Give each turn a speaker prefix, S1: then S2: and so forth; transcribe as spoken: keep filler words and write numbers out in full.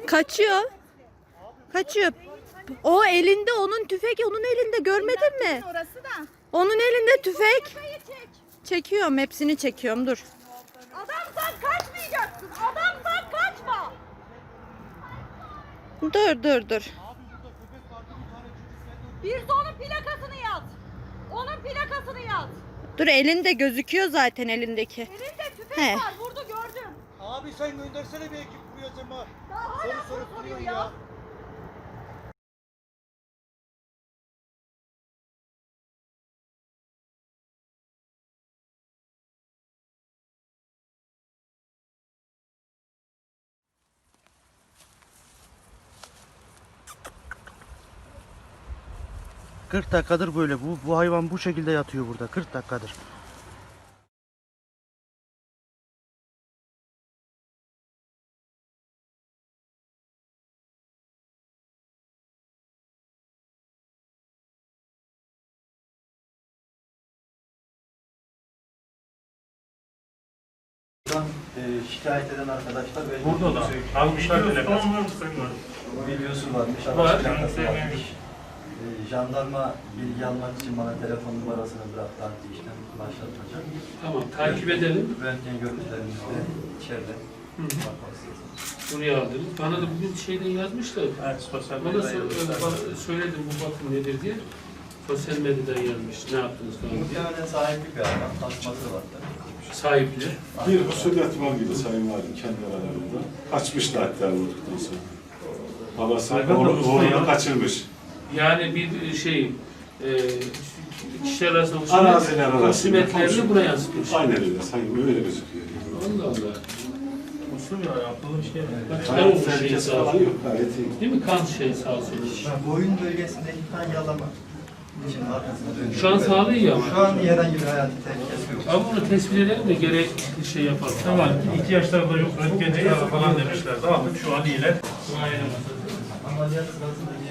S1: Kaçıyor. Kaçıyor. O elinde, onun tüfek onun elinde, görmedin mi?
S2: Orası da.
S1: Onun elinde tüfek.
S2: Çek.
S1: Çekiyorum, hepsini çekiyorum, dur.
S2: Adamsan kaçmayacaksın. Adamsan kaçma.
S1: Dur dur dur.
S2: Bir de onun plakasını yaz. Onun plakasını yaz.
S1: Dur, elinde gözüküyor zaten elindeki.
S2: Elinde tüfek
S1: He.
S2: var. Vurdu gördüm.
S3: Abi sen göndersene bir ekip buraya Cema.
S2: Daha hala
S3: Soru sorup
S2: soruyor
S3: duruyor
S2: ya.
S3: ya. kırk dakikadır böyle. Bu, bu hayvan bu şekilde yatıyor burada. kırk dakikadır.
S4: E, şikayet eden arkadaşlar ve
S5: Burada da almışlar telefon.
S4: videosu varmış,
S5: Var.
S4: araç plakası varmış. E, jandarma bilgi almak için bana telefon numarasını bıraktı, adli işlem başlatacak.
S5: Tamam, takip edelim.
S4: Röntgen görüntülerimizde içeride bakmak istedim.
S5: Buraya aldınız. Bana da bugün şeyden yazmışlar.
S6: Evet, sosyal
S5: Bana
S6: medyada
S5: so-
S6: yazmışlar.
S5: ba- söyledim bu bakım nedir diye. Sosyal medyadan yazmış. Ne yaptınız falan diye.
S4: Muhtemelen sahipli bir hayvan, tasması vardı.
S5: Sahipli.
S7: Bir husumet var gibi Sayın Valim kendi aralarında. Kaçmışlar hatta vurduktan sonra. Babası
S6: Hayvan da
S7: oğlu,
S6: usta
S7: oğlunu
S6: ya.
S7: kaçırmış.
S5: Yani bir şey e, kişiler arasında
S7: Araziler arasında.
S5: husumetlerini buraya yansıtmış.
S7: Aynen öyle, sanki öyle gözüküyor.
S5: Allah Allah.
S6: Usul ya, yapılı bir şey.
S5: Bak,
S7: Hayat
S5: kan şeyi
S7: tehlikesi
S5: sağ
S7: falan
S5: olsun.
S7: yok, gayet iyi.
S5: Değil mi? Kan şeyi sağ olsun.
S4: Boyun bölgesindeki kan yalama. Şimdi arkasına dönüyor.
S5: Şu an sağlığı iyi ama.
S4: Şu an herhangi bir hayati tehlikesi yok.
S5: Ama bunu tespit edelim de gerekli şey yapalım.
S6: Tamam, ihtiyaçları da yok, röntgen çıkarı falan demişlerdi. Aldık, şu an iyiler.
S4: Ameliyat sırasında